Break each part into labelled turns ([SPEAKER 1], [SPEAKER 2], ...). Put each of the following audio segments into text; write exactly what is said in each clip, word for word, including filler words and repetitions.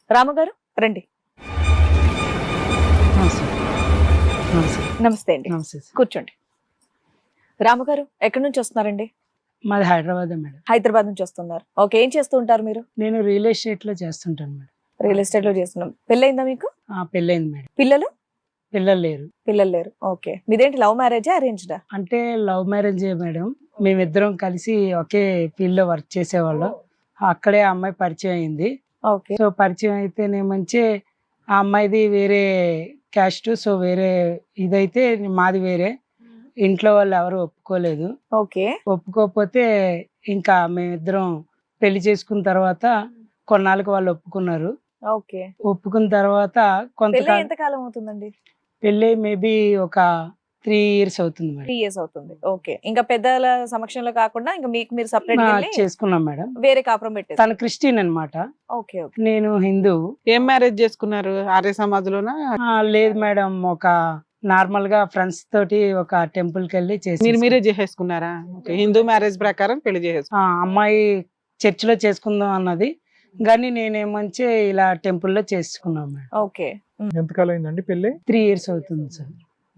[SPEAKER 1] రామగారు రండి.
[SPEAKER 2] నమస్తే నమస్తే
[SPEAKER 1] నమస్తే అండి,
[SPEAKER 2] నమస్తే సార్.
[SPEAKER 1] కూర్చోండి. రామగారు ఎక్కడి నుంచి వస్తున్నారండి?
[SPEAKER 2] మాది హైదరాబాద్ మేడం.
[SPEAKER 1] హైదరాబాద్ నుంచి వస్తున్నారు. ఓకే, ఏం చేస్తూ ఉంటారు మీరు?
[SPEAKER 2] నేను రియల్ ఎస్టేట్ లో చేస్తుంటాను మేడం.
[SPEAKER 1] రియల్ ఎస్టేట్ లో చేస్తున్నాం. పెళ్ళయిందా మీకు?
[SPEAKER 2] ఆ పెళ్ళైంది మేడం.
[SPEAKER 1] పిల్లలు?
[SPEAKER 2] పిల్లలు లేరు.
[SPEAKER 1] పిల్లలు లేరు. ఓకే, మీదేంటి లవ్ మ్యారేజా అరేంజ్డా?
[SPEAKER 2] అంటే లవ్ మ్యారేజ్ మేడం. మేమిద్దరం కలిసి ఒకే ఫీల్డ్ లో వర్క్ చేసేవాళ్ళం. అక్కడే ఆ అమ్మాయి పరిచయం అయింది.
[SPEAKER 1] ఓకే
[SPEAKER 2] సో పరిచయం అయితేనేమంచి ఆ అమ్మాయిది వేరే క్యాస్ట్, సో వేరే ఇదైతే మాది వేరే. ఇంట్లో వాళ్ళు ఎవరు ఒప్పుకోలేదు.
[SPEAKER 1] ఓకే
[SPEAKER 2] ఒప్పుకోకపోతే ఇంకా మేమిద్దరం పెళ్లి చేసుకున్న తర్వాత కొన్నాళ్ళకి వాళ్ళు ఒప్పుకున్నారు.
[SPEAKER 1] ఓకే
[SPEAKER 2] ఒప్పుకున్న తర్వాత
[SPEAKER 1] పెళ్ళి
[SPEAKER 2] కొంతకాలం
[SPEAKER 1] ఎంత కాలం అవుతుందండి?
[SPEAKER 2] పెళ్ళి మేబీ ఒక త్రీ ఇయర్స్ అవుతుంది మేడం.
[SPEAKER 1] త్రీ ఇయర్స్ అవుతుంది. ఓకే, ఇంకా పెద్దల సమక్షంలో కాకుండా ఇంకా మీకు మీరు సపరేట్
[SPEAKER 2] ఆ, చేసుకున్నాం మేడం.
[SPEAKER 1] వేరే కాపురం పెట్టేసి.
[SPEAKER 2] తను క్రిస్టియన్ అన్నమాట,
[SPEAKER 1] ఓకే ఓకే
[SPEAKER 2] నేను హిందూ.
[SPEAKER 3] ఏం మ్యారేజ్ చేసుకున్నారు? ఆర్య సమాజ్లోనా?
[SPEAKER 2] ఆ, లేదు మేడం, ఒక నార్మల్ గా ఫ్రెండ్స్ తోటి ఒక టెంపుల్ కి వెళ్ళి చేసి
[SPEAKER 3] మీరు మీరే చేసేసుకున్నారా? ఓకే, హిందూ మ్యారేజ్ ప్రకారం పెళ్లి చేసేసుకున్నారు.
[SPEAKER 2] ఆ అమ్మాయి చర్చిలో చేసుకుందాం అన్నది, కానీ నేనేమంచి ఇలా టెంపుల్లో చేసుకున్నాం మేడం.
[SPEAKER 1] ఓకే
[SPEAKER 4] ఎంతకాలం అయిందండి పెళ్ళి?
[SPEAKER 2] త్రీ ఇయర్స్ అవుతుంది సార్.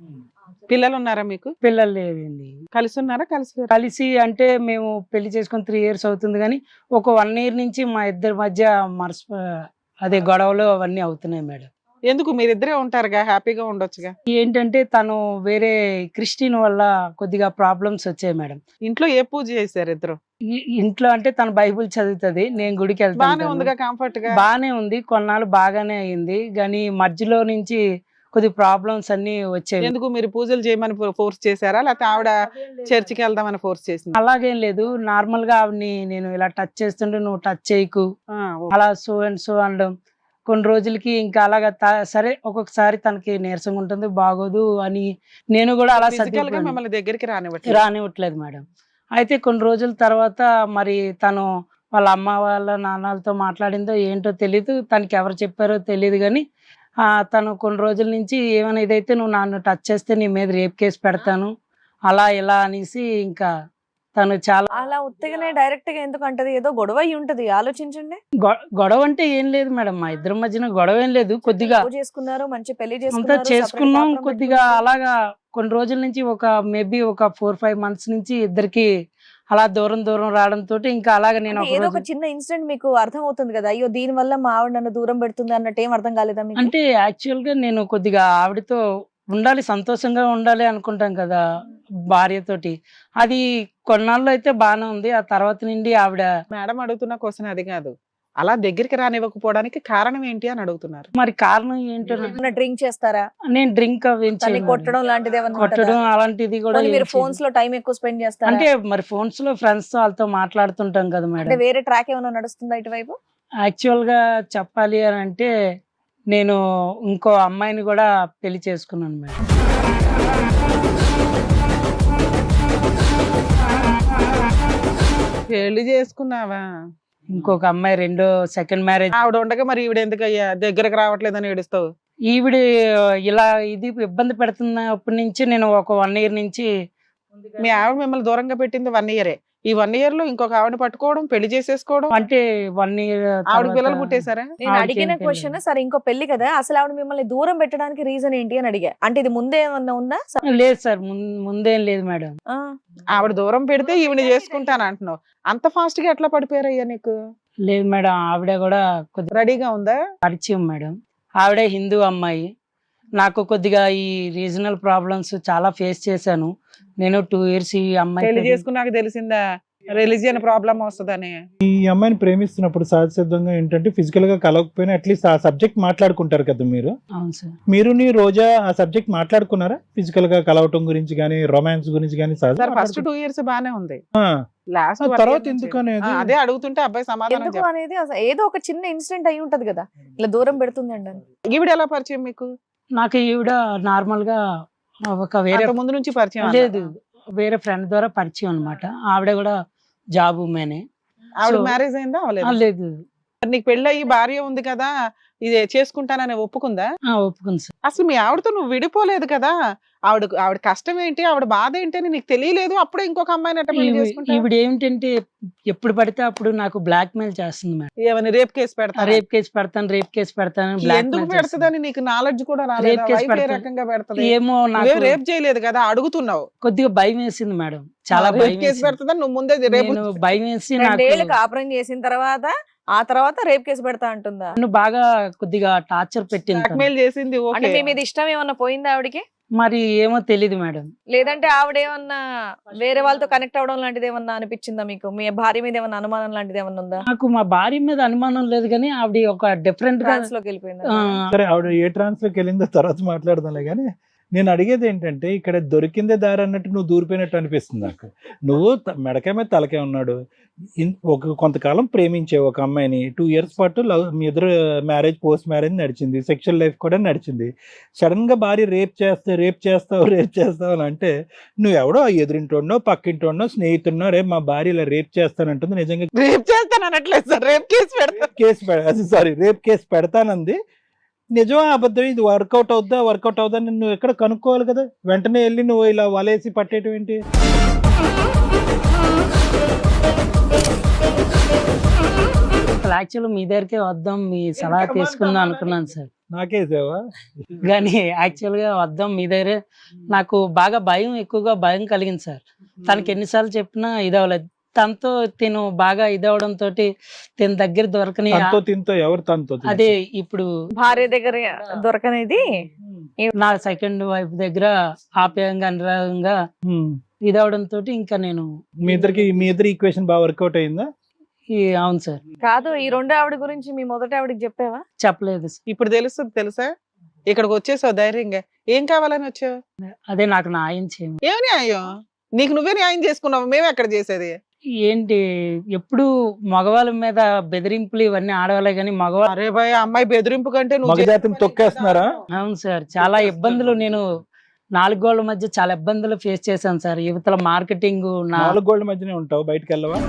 [SPEAKER 3] పిల్లలు ఉన్నారా మీకు?
[SPEAKER 2] పిల్లలు లేదండి.
[SPEAKER 3] కలిసి ఉన్నారా? కలిసి లేరా?
[SPEAKER 2] కలిసి అంటే మేము పెళ్లి చేసుకుని త్రీ ఇయర్స్ అవుతుంది, కానీ ఒక వన్ ఇయర్ నుంచి మా ఇద్దరి మధ్య మనసు అదే గొడవలు అవన్నీ అవుతున్నాయి మేడం.
[SPEAKER 3] ఎందుకు? మీరిద్దరే ఉంటారుగా, హ్యాపీగా ఉండొచ్చుగా.
[SPEAKER 2] ఏంటంటే తను వేరే క్రిస్టియన్ వల్ల కొద్దిగా ప్రాబ్లమ్స్ వచ్చాయి మేడం.
[SPEAKER 3] ఇంట్లో ఏ పూజ చేశారు ఇద్దరు?
[SPEAKER 2] ఈ- ఇంట్లో అంటే తను బైబిల్ చదువుతుంది, నేను గుడికి
[SPEAKER 3] బానే
[SPEAKER 2] వెళ్తాను.
[SPEAKER 3] ఉందిగా, కంఫర్ట్ గా.
[SPEAKER 2] బానే ఉంది, కొన్నాళ్ళు బాగానే అయింది, కానీ మధ్యలో నుంచి కొద్ది ప్రాబ్లమ్స్ అన్ని వచ్చాయి.
[SPEAKER 3] ఎందుకు? మీరు పూజలు చేయమని ఫోర్స్ చేశారా, లేకపోతే ఆవిడ చర్చికి వెళ్దామని ఫోర్స్ చేసింది?
[SPEAKER 2] అలాగేం లేదు, నార్మల్ గా ఆవిడని నేను ఇలా టచ్ చేస్తుంటే నువ్వు టచ్ చేయకు అలా సో అండ్ సో అనడం. కొన్ని రోజులకి ఇంకా అలాగా త- సరే ఒక్కొక్కసారి తనకి నీరసంగా ఉంటుంది, బాగోదు అని నేను కూడా అలా
[SPEAKER 3] ఫిజికల్ గా
[SPEAKER 2] సర్దుకుపోయాను.
[SPEAKER 3] మిమ్మల్ని దగ్గరికి రానివ్వట్లేదు.
[SPEAKER 2] రానివ్వట్లేదు మేడం. అయితే కొన్ని రోజుల తర్వాత మరి తను వాళ్ళ అమ్మ వాళ్ళ నాన్నలతో మాట్లాడిందో ఏంటో తెలీదు, తనకి ఎవరు చెప్పారో తెలియదు, కానీ ఆ, తను కొన్ని రోజుల నుంచి ఏమైనా ఇదైతే నువ్వు నన్ను టచ్ చేస్తే నీ మీద రేప్ కేసు పెడతాను అలా ఇలా అనేసి ఇంకా తను చాలా
[SPEAKER 1] అలా ఉత్తగానే డైరెక్ట్ గా ఎందుకు అంటది? ఏదో గొడవ అయి ఉంటది, ఆలోచించండి.
[SPEAKER 2] గొ- గొడవ అంటే ఏం లేదు మేడం, మా ఇద్దరి మధ్యన గొడవ ఏం లేదు. కొద్దిగా
[SPEAKER 1] లవ్ చేసుకున్నారు, మంచి పెళ్లి
[SPEAKER 2] అంతా
[SPEAKER 1] చేసుకున్నారు,
[SPEAKER 2] చేసుకున్నాం.
[SPEAKER 1] separate కాపురం
[SPEAKER 2] కొద్దిగా
[SPEAKER 1] పెట్టుకున్నారు.
[SPEAKER 2] అలాగా కొన్ని రోజుల నుంచి ఒక మేబీ ఒక ఫోర్ ఫైవ్ మంత్స్ నుంచి ఇద్దరికి అలా దూరం దూరం రావడం తోటి ఇంకా అలాగా నేను
[SPEAKER 1] అంటే
[SPEAKER 2] ఒక
[SPEAKER 1] ఏదో ఒక
[SPEAKER 2] రోజు
[SPEAKER 1] చిన్న ఇన్సిడెంట్ మీకు అర్థం అవుతుంది కదా, అయ్యో దీని వల్ల మా ఆవిడ నన్ను దూరం పెడుతుంది అన్నట్టు ఏం అర్థం కాలేదా మీకు?
[SPEAKER 2] అంటే యాక్చువల్ గా నేను కొద్దిగా ఆవిడతో ఉండాలి, సంతోషంగా ఉండాలి అనుకుంటాం కదా భార్యతోటి. అది కొన్నాళ్ళు అయితే బాగానే ఉంది, ఆ తర్వాత నుండి ఆవిడ
[SPEAKER 3] మేడం అడుగుతున్న క్వశ్చన్ అది కాదు, అలా దగ్గరికి రానివ్వకపోవడానికి కారణం ఏంటి అని అడుగుతున్నారు.
[SPEAKER 2] మరి కారణం ఏంటో నాకు-
[SPEAKER 1] ఏమన్నా డ్రింక్ చేస్తారా?
[SPEAKER 2] నేను డ్రింక్ అవి ఏం
[SPEAKER 1] తన్ని
[SPEAKER 2] చేయను.
[SPEAKER 1] కొట్టడం లాంటిది ఏమన్నా
[SPEAKER 2] కొట్టడం
[SPEAKER 1] ఉంటుందా?
[SPEAKER 2] అలాంటిది కూడా
[SPEAKER 1] పోనీ
[SPEAKER 2] ఏం
[SPEAKER 1] మీరు
[SPEAKER 2] చేయను.
[SPEAKER 1] ఫోన్స్ లో టైం ఎక్కువ స్పెండ్ చేస్తారా?
[SPEAKER 2] అంటే మరి ఫోన్స్ లో ఫ్రెండ్స్ తో వాళ్ళతో మాట్లాడుతుంటాం కదా
[SPEAKER 1] అంటే
[SPEAKER 2] మేడం.
[SPEAKER 1] వేరే ట్రాక్ ఏమైనా నడుస్తుందా ఇటువైపు?
[SPEAKER 2] యాక్చువల్ గా చెప్పాలి అని అంటే నేను ఇంకో అమ్మాయిని కూడా పెళ్లి చేసుకున్నాను మేడం.
[SPEAKER 3] పెళ్లి చేసుకున్నావా?
[SPEAKER 2] ఇంకొక అమ్మాయి రెండో సెకండ్ మ్యారేజ్.
[SPEAKER 3] ఆవిడ ఉండగా మరి ఈవిడ ఎందుకు అయ్యా దగ్గరకు రావట్లేదని ఏడుస్తావు?
[SPEAKER 2] ఈవిడ ఇలా ఇది ఇబ్బంది పెడుతున్నప్పటి నుంచి నేను ఒక వన్ ఇయర్ నుంచి
[SPEAKER 3] మీ ఆవిడ మిమ్మల్ని దూరంగా పెట్టింది వన్ ఇయరే. ఈ వన్ ఇయర్ లో ఇంకొక ఆవిడ పట్టుకోవడం, పెళ్లి చేసేసుకోవడం.
[SPEAKER 2] అంటే వన్ ఇయర్
[SPEAKER 3] ఆవిడ పిల్లలు పుట్టేశారా?
[SPEAKER 1] నేను
[SPEAKER 2] ఆవిడకి
[SPEAKER 1] అడిగిన
[SPEAKER 2] ఏం
[SPEAKER 1] క్వశ్చన్
[SPEAKER 2] తెలియదు.
[SPEAKER 1] సరే ఇంకో పెళ్లి కదా, అసలు ఆవిడ మిమ్మల్ని దూరం పెట్టడానికి రీజన్ ఏంటి అని అడిగా. అంటే ఇది ముందే ఏమన్నా ఉందా?
[SPEAKER 2] లేదు సార్, ముం- ముందేం లేదు మేడం.
[SPEAKER 1] ఆ,
[SPEAKER 3] ఆవిడ దూరం పెడితే ఈవిడ చేసుకుంటాను అంటున్నావు. అంత ఫాస్ట్ గా ఎట్లా పడిపోయారయ్యా నీకు?
[SPEAKER 2] లేదు మేడం, ఆవిడ కూడా కొద్దిగా
[SPEAKER 3] రెడీగా ఉందా?
[SPEAKER 2] పరిచయం మేడం. ఆవిడే హిందూ అమ్మాయి. నాకు కొద్దిగా ఈ రీజనల్ ప్రాబ్లమ్స్ చాలా ఫేస్ చేశాను నేను టూ ఇయర్స్ ఈ
[SPEAKER 3] పెళ్లి
[SPEAKER 2] అమ్మాయి.
[SPEAKER 3] చేసుకున్నాక తెలిసిందా రిలీజియన్ ప్రాబ్లం వస్తుందని?
[SPEAKER 4] ఈ అమ్మాయిని ప్రేమిస్తున్నప్పుడు సహజసిద్ధంగా ఏంటంటే ఫిజికల్ గా కలవకపోయినా అట్లీస్ట్ ఆ సబ్జెక్ట్ మాట్లాడుకుంటారు కదా మీరు.
[SPEAKER 2] అవును సార్.
[SPEAKER 4] మీరు నీ రోజా ఆ సబ్జెక్ట్ మాట్లాడుకున్నారా? ఫిజికల్ గా కలవటం గురించి కానీ రొమాన్స్ గురించి కానీ
[SPEAKER 3] సార్ ఫస్ట్ టూ ఇయర్స్ బానే ఉంది, లాస్ట్
[SPEAKER 4] ఆ, తర్వాత ఎందుకు అనేది?
[SPEAKER 3] అదే అడుగుతుంటే అబ్బాయి సమాధానం
[SPEAKER 1] ఎందుకు
[SPEAKER 3] చెప్ప-
[SPEAKER 1] అనేది అసలు ఏదో ఒక చిన్న ఇన్సిడెంట్ అయి ఉంటది కదా ఇలా దూరం పెడుతుంది అండి అని.
[SPEAKER 3] ఈవిడ ఎలా పరిచయం మీకు?
[SPEAKER 2] నాకు ఈవిడ నార్మల్ గా ఒక వేరే
[SPEAKER 3] అంత ముందు నుంచి పరిచయం?
[SPEAKER 2] లేదు, వేరే ఫ్రెండ్ ద్వారా పరిచయం అన్నమాట. ఆవిడ కూడా జాబ్ ఉమెనే.
[SPEAKER 3] ఆవిడ
[SPEAKER 2] So-
[SPEAKER 3] మ్యారేజ్ అయిందా?
[SPEAKER 2] ఆ,
[SPEAKER 3] అవ్వలేదు.
[SPEAKER 2] లేదు.
[SPEAKER 3] నీకు పెళ్ళి అయ్యి భార్య ఉంది కదా, ఇది చేసుకుంటానని ఒప్పుకుందా?
[SPEAKER 2] ఆ, ఒప్పుకుంది సార్.
[SPEAKER 3] అసలు మీ ఆవిడతో నువ్వు విడిపోలేదు కదా, ఆవిడ ఆవిడ కష్టం ఏంటి, ఆవిడ బాధ ఏంటి అని నీకు తెలియలేదు, అప్పుడే ఇంకొక అమ్మాయిని అట్ట పెళ్లి
[SPEAKER 2] ఈవి-
[SPEAKER 3] చేసుకుంటావు?
[SPEAKER 2] ఈవిడ ఏమిటంటే ఎప్పుడు పడితే అప్పుడు నాకు బ్లాక్ మెయిల్ చేస్తుంది మేడం.
[SPEAKER 3] ఏమని రేప్ కేసు పెడతా?
[SPEAKER 2] రేప్ కేసు పెడతాను రేప్ కేసు పెడతాను బ్లాక్
[SPEAKER 3] ఎందుకు
[SPEAKER 2] మెయిల్ చేస్తుంది.
[SPEAKER 3] పెడతదని నీకు నాలెడ్జ్ కూడా
[SPEAKER 2] రేప్
[SPEAKER 3] రాలేదు?
[SPEAKER 2] కేసు
[SPEAKER 3] వైఫ్ ఏ
[SPEAKER 2] పెడతాను.
[SPEAKER 3] రకంగా పెడతది?
[SPEAKER 2] ఏమో
[SPEAKER 3] నువ్వే
[SPEAKER 2] నాకు
[SPEAKER 3] రేప్ చేయలేదు కదా, అడుగుతున్నావు.
[SPEAKER 2] కొద్దిగా భయం వేసింది మేడం, చాలా
[SPEAKER 3] రేప్
[SPEAKER 2] భయం
[SPEAKER 3] కేసు
[SPEAKER 2] వేసింది.
[SPEAKER 3] పెడతదని నువ్వు ముందే రేపు
[SPEAKER 2] నేను భయం వేసి
[SPEAKER 1] రెండేళ్ళు
[SPEAKER 2] నాకు
[SPEAKER 1] కాపురం చేసిన తర్వాత ఆ తర్వాత రేప్ కేసు పెడతా అంటుందా?
[SPEAKER 2] నన్ను బాగా కొద్దిగా టార్చర్ పెట్టింది తను.
[SPEAKER 3] బ్లాక్మెయిల్ చేసింది.
[SPEAKER 1] అంటే
[SPEAKER 3] ఓకే,
[SPEAKER 1] మీ మీద ఇష్టం ఏమన్నా పోయిందా ఆవిడకి?
[SPEAKER 2] మరి ఏమో తెలీదు మేడం.
[SPEAKER 1] లేదంటే ఆవిడ ఏమన్నా వేరే వాళ్ళతో కనెక్ట్ అవడం లాంటిది ఏమన్నా అనిపించిందా మీకు? మీ భార్య మీద ఏమన్నా అనుమానం లాంటిది ఏమన్నా ఉందా?
[SPEAKER 2] నాకు మా భార్య మీద అనుమానం లేదు కానీ ఆవిడ ఒక డిఫరెంట్ గా
[SPEAKER 1] ట్రాన్స్ లోకి వెళ్ళిపోయిందా?
[SPEAKER 2] ఆ,
[SPEAKER 4] సరే ఆవిడ ఏ ట్రాన్స్ లోకి వెళ్ళిందో తర్వాత మాట్లాడదాంలే కానీ నేను అడిగేది ఏంటంటే ఇక్కడ దొరికిందే దారి అన్నట్టు నువ్వు దూరిపోయినట్టు అనిపిస్తుంది నాకు. నువ్వు త- మెడకాయ మీద తలకే ఉన్నాడు, ఇన్- ఒక కొంతకాలం ప్రేమించే ఒక అమ్మాయిని, టూ ఇయర్స్ పాటు లవ్, మీ ఇద్దరు మ్యారేజ్ పోస్ట్ మ్యారేజ్ నడిచింది, సెక్షువల్ లైఫ్ కూడా నడిచింది. సడన్ గా భార్య రేప్ చేస్తే రేప్ చేస్తావు రేప్ చేస్తావు అని అంటే నువ్వెవడో ఎదురింటోడో పక్కింటోడో స్నేహితుడినో రేపు మా భార్య ఇలా రేప్ చేస్తానంటుంది. నిజంగా
[SPEAKER 3] రేప్ చేస్తాను అనట్లేదు సార్, రేప్ కేసు పెడతా.
[SPEAKER 4] కేసు పెడ సారీ రేప్ కేసు పెడతానంది. నిజమా అబద్ధం? ఇది వర్కౌట్ అవుద్దా వర్కౌట్ అవుద్దా అని నువ్వు ఎక్కడ కనుక్కోవాలి కదా, వెంటనే వెళ్ళి నువ్వు ఇలా వలేసి పట్టేయటం ఏంటి?
[SPEAKER 2] యాక్చువల్ మీ దగ్గరికే వద్దాం మీ సలహా తీసుకుందాం అనుకున్నాను సార్,
[SPEAKER 4] నాకేసావా?
[SPEAKER 2] కానీ యాక్చువల్ గా వద్దాం మీ దగ్గరే. నాకు బాగా భయం, ఎక్కువగా భయం కలిగింది సార్. తనకి ఎన్నిసార్లు చెప్పినా ఇదవలేదు. తనతో తిను బాగా ఇదవడం తోటి తిన దగ్గర దొరకని
[SPEAKER 4] తనతో తింతో ఎవరు తనతో తింతో?
[SPEAKER 2] అదే ఇప్పుడు
[SPEAKER 1] భార్య దగ్గర దొరకనేది
[SPEAKER 2] నా సెకండ్ వైఫ్ దగ్గర ఆప్యాయంగా అనురాగంగా
[SPEAKER 4] హ్మ్.
[SPEAKER 2] ఇదవడం తోటి ఇంకా నేను
[SPEAKER 4] మీ ఇద్దరికి మీ ఇద్దరు ఈక్వేషన్ బాగా వర్కౌట్ అయిందా?
[SPEAKER 2] ఈ అవును సార్,
[SPEAKER 1] కాదు. ఈ రెండో ఆవిడ గురించి మీ మొదటి ఆవిడకి చెప్పావా?
[SPEAKER 2] చెప్పలేదు సార్.
[SPEAKER 3] ఇప్పుడు తెలుస్తుంది తెలుసా? ఇక్కడికి వచ్చేసావు ధైర్యంగా. ఏం కావాలని వచ్చావు?
[SPEAKER 2] అదే నాకు న్యాయం చేయము.
[SPEAKER 3] ఏం న్యాయం? నీకు నువ్వే న్యాయం చేసుకున్నావు, మేము ఎక్కడ చేసేది?
[SPEAKER 2] ఏంటి ఎప్పుడు మగవాళ్ళ మీద బెదిరింపులు ఇవన్నీ ఆడవాళ్ళే కానీ మగవాళ్ళు.
[SPEAKER 3] అరే భయ్, అమ్మాయి బెదిరింపు కంటే నువ్వు
[SPEAKER 4] మగజాతిని
[SPEAKER 3] చేసే
[SPEAKER 4] తొక్కేస్తున్నారా?
[SPEAKER 2] అవును సార్, చాలా ఇబ్బందులు నేను నాలుగు గోళ్ల మధ్య చాలా ఇబ్బందులు ఫేస్ చేశాను సార్. యువతల మార్కెటింగ్ నా
[SPEAKER 4] నాలుగు గోళ్ల మధ్యనే ఉంటావు, బయటకు వెళ్ళవా?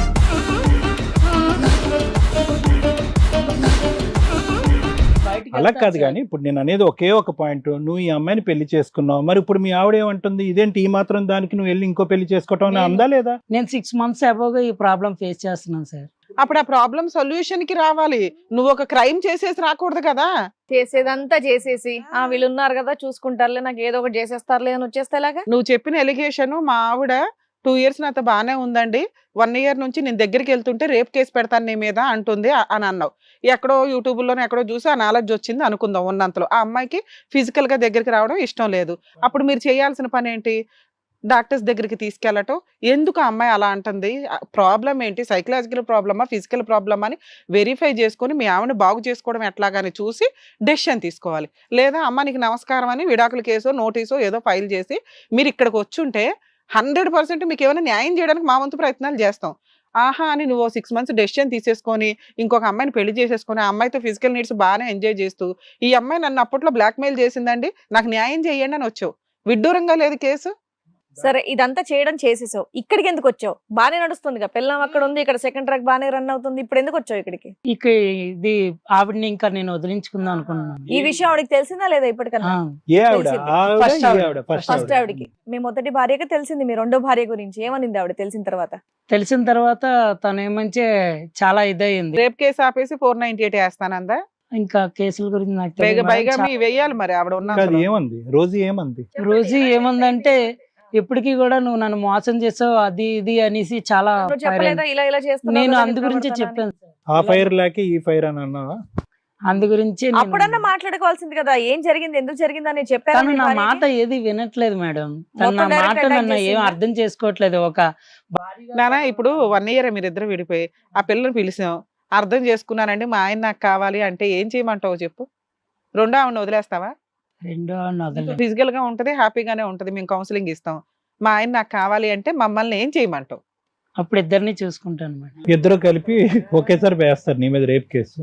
[SPEAKER 2] బయటికి
[SPEAKER 4] అలా
[SPEAKER 2] వెళ్తాను
[SPEAKER 4] కాదు
[SPEAKER 2] సార్.
[SPEAKER 4] కానీ ఇప్పుడు నేను అనేది ఒకే ఒక పాయింట్, నువ్వు ఈ అమ్మాయిని పెళ్లి చేసుకున్నావు, మరి ఇప్పుడు మీ ఆవిడ ఏమంటుంది, ఇదేంటి ఈ మాత్రం దానికి నువ్వు వెళ్ళి ఇంకో పెళ్లి చేసుకోవటం అని
[SPEAKER 2] నేను-
[SPEAKER 4] అందా లేదా?
[SPEAKER 2] నేను సిక్స్ మంత్స్ అబోగా ఈ ప్రాబ్లం ఫేస్ చేస్తున్నాను సార్.
[SPEAKER 3] అప్పుడు ఆ ప్రాబ్లం సొల్యూషన్ కి రావాలి. నువ్వు ఒక క్రైమ్ చేసేసి రాకూడదు కదా.
[SPEAKER 1] చేసేదంతా చేసేసి ఆ వీళ్ళు ఉన్నారు కదా చూసుకుంటారులే, నాకు ఏదో ఒకటి చేసేస్తారులే అని వచ్చేస్తే ఎలాగా?
[SPEAKER 3] నువ్వు చెప్పిన ఎలిగేషన్, మా ఆవిడ టూ ఇయర్స్ నాతో బాగానే ఉందండి, వన్ ఇయర్ నుంచి నేను దగ్గరికి వెళ్తుంటే రేప్ కేసు పెడతాను నీ మీద అంటుంది అ- అని అన్నావు. ఎక్కడో యూట్యూబ్లోనే ఎక్కడో చూసి ఆ నాలెడ్జ్ వచ్చింది అనుకుందాం. ఉన్నంతలో ఆ అమ్మాయికి ఫిజికల్ గా దగ్గరికి రావడం ఇష్టం లేదు. అప్పుడు మీరు చేయాల్సిన పని ఏంటి? డాక్టర్స్ దగ్గరికి తీసుకెళ్ళటం. ఎందుకు ఆ అమ్మాయి అలా అంటుంది, ప్రాబ్లం ఏంటి, సైకలాజికల్ ప్రాబ్లమా ఫిజికల్ ప్రాబ్లమా అని వెరిఫై చేసుకొని మీ ఆవిడని బాగు చేసుకోవడం ఎట్లాగాని చూసి డెసిషన్ తీసుకోవాలి. లేదా అమ్మ నీకు నమస్కారం అని విడాకుల కేసో నోటీసో ఏదో ఫైల్ చేసి మీరు ఇక్కడికి వచ్చుంటే హండ్రెడ్ పర్సెంట్ మీకు ఏమైనా న్యాయం చేయడానికి మా వంతు ప్రయత్నాలు చేస్తాం. ఆహా అని నువ్వు సిక్స్ మంత్స్ డెసిషన్ తీసేసుకొని ఇంకొక అమ్మాయిని పెళ్లి చేసేసుకొని ఆ అమ్మాయితో ఫిజికల్ నీడ్స్ బాగానే ఎంజాయ్ చేస్తూ ఈ అమ్మాయి నన్ను అప్పట్లో బ్లాక్మెయిల్ చేసిందండి, నాకు న్యాయం చేయండి అని వచ్చావు. విడ్డూరంగా లేదు కేసు?
[SPEAKER 1] సరే ఇదంతా చేయడం చేసేసావు, ఇక్కడికి ఎందుకు వచ్చావు? బానే నడుస్తుంది పిల్లం అక్కడ ఉంది, ఇక్కడ సెకండ్ ట్రాక్ బానే రన్ అవుతుంది, ఇప్పుడు ఎందుకు వచ్చావు ఇక్కడికి?
[SPEAKER 2] ఇక ఇది ఆవిడని ఇంకా నేను వదిలించుకుందాం అనుకున్నాను.
[SPEAKER 1] ఈ విషయం ఆవిడకి తెలిసిందా లేదా ఇప్పటికన్నా?
[SPEAKER 2] ఆ,
[SPEAKER 4] ఏ ఆవిడ?
[SPEAKER 1] తెలిసింది.
[SPEAKER 4] ఆవిడ,
[SPEAKER 2] First
[SPEAKER 4] ఈ
[SPEAKER 2] ఆవిడ.
[SPEAKER 4] ఆవిడ, first
[SPEAKER 1] ఫస్ట్
[SPEAKER 4] ఆవిడ.
[SPEAKER 1] ఆవిడకి మీ మొదటి భార్యకి తెలిసింది, మీ రెండో భార్య గురించి ఏమనింది ఆవిడ తెలిసిన తర్వాత?
[SPEAKER 2] తెలిసిన తర్వాత తను ఏమంటే చాలా ఇదయింది.
[SPEAKER 3] రేప్ కేసు ఆపేసి ఫోర్ నైన్టీ ఎయిట్ వేస్తానందా?
[SPEAKER 2] ఇంకా కేసుల గురించి నాకు
[SPEAKER 3] పైగా
[SPEAKER 2] తెలియదు
[SPEAKER 3] పైగా
[SPEAKER 2] మేడం.
[SPEAKER 3] మీ వెయ్యాలి మరి ఆవిడ
[SPEAKER 4] కాదు,
[SPEAKER 3] ఉన్న
[SPEAKER 4] ఏమంది రోజు ఏమంది?
[SPEAKER 2] రోజు ఏముందంటే ఎప్పటికీ కూడా నువ్వు నన్ను మోసం చేసావు అది ఇది అనేసి చాలా
[SPEAKER 1] నువ్వు
[SPEAKER 2] ఫైర్
[SPEAKER 1] చెప్పలేదా
[SPEAKER 2] అయింది.
[SPEAKER 1] ఇలా ఇలా చేస్తున్నావు
[SPEAKER 2] నేను
[SPEAKER 1] కదా,
[SPEAKER 2] అందు
[SPEAKER 1] నీ
[SPEAKER 2] గురించే
[SPEAKER 1] ప్రవర్తన అని?
[SPEAKER 2] చెప్పాను సార్.
[SPEAKER 4] ఆ ఫైర్ లేక ఈ ఫైర్ అని అన్నావా?
[SPEAKER 2] అందు గురించి నేను-
[SPEAKER 1] అప్పుడన్నా మాట్లాడుకోవాల్సింది కదా, ఏం జరిగింది ఎందుకు జరిగింది అని చెప్పారు.
[SPEAKER 2] తను నా మాట ఏది వినట్లేదు మేడం. తను నా
[SPEAKER 1] మొత్తం direct
[SPEAKER 2] మాట
[SPEAKER 1] attack
[SPEAKER 2] నన్ను ఏం
[SPEAKER 1] చేసిందా?
[SPEAKER 2] అర్థం చేసుకోవట్లేదు. ఒక భార్యగా-
[SPEAKER 3] నానా ఇప్పుడు వన్ ఇయర్ మీరిద్దరు విడిపోయి ఆ పిల్లని పిలిచాం, అర్థం చేసుకున్నానండి మా ఆయన నాకు కావాలి అంటే ఏం చేయమంటావు చెప్పు? రెండో ఆవిడ వదిలేస్తావా?
[SPEAKER 2] రెండో ఆవిడని వదలలేదు.
[SPEAKER 3] ఫిజికల్ గా ఉంటది, హ్యాపీగానే ఉంటది, మేము కౌన్సిలింగ్ ఇస్తాం. మా ఆయన నాకు కావాలి అంటే మమ్మల్ని ఏం చేయమంటావు?
[SPEAKER 2] అప్పుడు ఇద్దరిని చూసుకుంటాను మేడం.
[SPEAKER 4] ఇద్దరు కలిపి ఒకేసారి వేస్తారు నీ మీద రేప్ కేసు.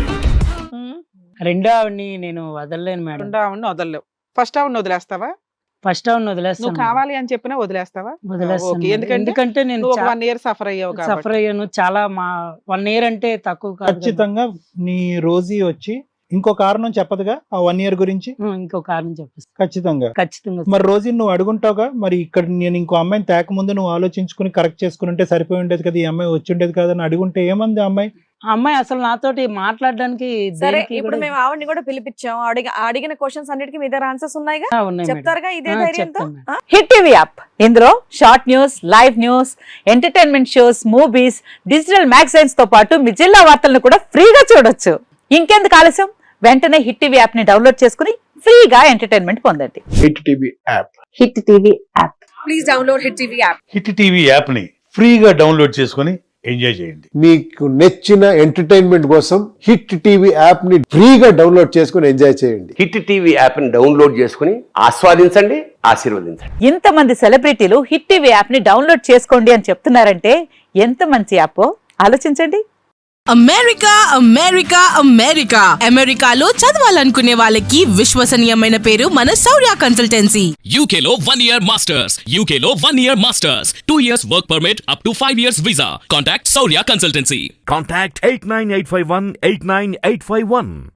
[SPEAKER 1] ఉమ్.
[SPEAKER 2] రెండో ఆవిడని నేను వదలలేను మేడం.
[SPEAKER 3] రెండో ఆవిడని వదలలేవు, ఫస్ట్ ఆవిడని వదిలేస్తావా?
[SPEAKER 2] ఫస్ట్ అవును
[SPEAKER 3] నువ్వు
[SPEAKER 2] వదిలేస్తాను
[SPEAKER 3] కావాలి అని చెప్పినా వదిలేస్తావా?
[SPEAKER 2] వదిలేస్తాను
[SPEAKER 3] ఓకే.
[SPEAKER 2] మేడం.
[SPEAKER 3] ఎందుకంటే
[SPEAKER 2] ఎందుకంటే నేను
[SPEAKER 3] నువ్వు ఒక వన్ ఇయర్ సఫర్ అయ్యావు కాబట్టి.
[SPEAKER 2] సఫర్ అయ్యాను చాలా. మా వన్ ఇయర్ అంటే తక్కువ కాదు కదా.
[SPEAKER 4] ఖచ్చితంగా నీ రోజీ వచ్చి ఇంకో కారణం చెప్పదుగా ఆ వన్ ఇయర్ గురించి.
[SPEAKER 2] ఉం, ఇంకో కారణం చెప్పేసి
[SPEAKER 4] ఖచ్చితంగా.
[SPEAKER 2] ఖచ్చితంగా.
[SPEAKER 4] మరి రోజీ నువ్వు అడుగుంటావుగా, మరి ఇక్కడ నేను ఇంకో అమ్మాయిని తేక ముందు నువ్వు ఆలోచించుకుని కరెక్ట్ చేసుకుని ఉంటే సరిపోయి ఉండేది కదా, ఈ అమ్మాయి వచ్చి ఉండేది కదా అని అడుగుంటే ఏమంది ఆ అమ్మాయి?
[SPEAKER 2] ఆ అమ్మాయి అసలు నాతోటి మాట్లాడడానికి
[SPEAKER 1] సరే
[SPEAKER 2] దేనికి
[SPEAKER 1] ఇప్పుడు
[SPEAKER 2] కూడా-
[SPEAKER 1] మేము ఆవిడని కూడా పిలిపించాం. అడిగి అడిగిన క్వశ్చన్స్ అన్నిటికీ మీ దగ్గర ఆన్సర్స్ ఉన్నాయిగా,
[SPEAKER 2] ఆ, ఉన్నాయి మేడం.
[SPEAKER 1] చెప్తారుగా ఇదే
[SPEAKER 2] ఆ,
[SPEAKER 1] ధైర్యంతో.
[SPEAKER 2] చెప్తాను మేడం.
[SPEAKER 5] హిట్ టీవీ యాప్ ఇందులో short news, live news, entertainment shows, movies, digital magazines తో పాటు మీ జిల్లా వార్తలను కూడా ఫ్రీగా చూడొచ్చు. ఇంకెందుకు ఆలస్యం, వెంటనే హిట్ టీవీ యాప్ ని డౌన్లోడ్ చేసుకుని ఫ్రీగా ఎంటర్టైన్మెంట్ పొందండి.
[SPEAKER 6] Hit TV app
[SPEAKER 5] hit TV app.
[SPEAKER 1] Please download hit TV app.
[SPEAKER 7] Hit TV యాప్ని ఫ్రీగా డౌన్లోడ్ చేసుకొని ఎంజాయ్ చేయండి.
[SPEAKER 6] మీకు నచ్చిన ఎంటర్టైన్మెంట్ కోసం హిట్ టీవీ యాప్ ని ఫ్రీగా డౌన్లోడ్ చేసుకుని ఎంజాయ్ చేయండి.
[SPEAKER 8] హిట్ టీవీ యాప్ని డౌన్లోడ్ చేసుకుని ఆస్వాదించండి, ఆశీర్వదించండి.
[SPEAKER 5] ఇంతమంది సెలబ్రిటీలు హిట్ టీవీ యాప్ ని డౌన్లోడ్ చేసుకోండి అని చెప్తున్నారంటే ఎంత మంచి యాప్ ఆలోచించండి.
[SPEAKER 9] అమెరికా అమెరికా అమెరికా అమెరికాలో చదవాలనుకునే వాళ్ళకి విశ్వసనీయమైన పేరు మన శౌర్య కన్సల్టెన్సీ.
[SPEAKER 10] U K లో one year masters, U K లో one year masters, two years work permit up to five years visa. Contact Saurya Consultancy.
[SPEAKER 11] Contact eight nine eight five one eight nine eight five one.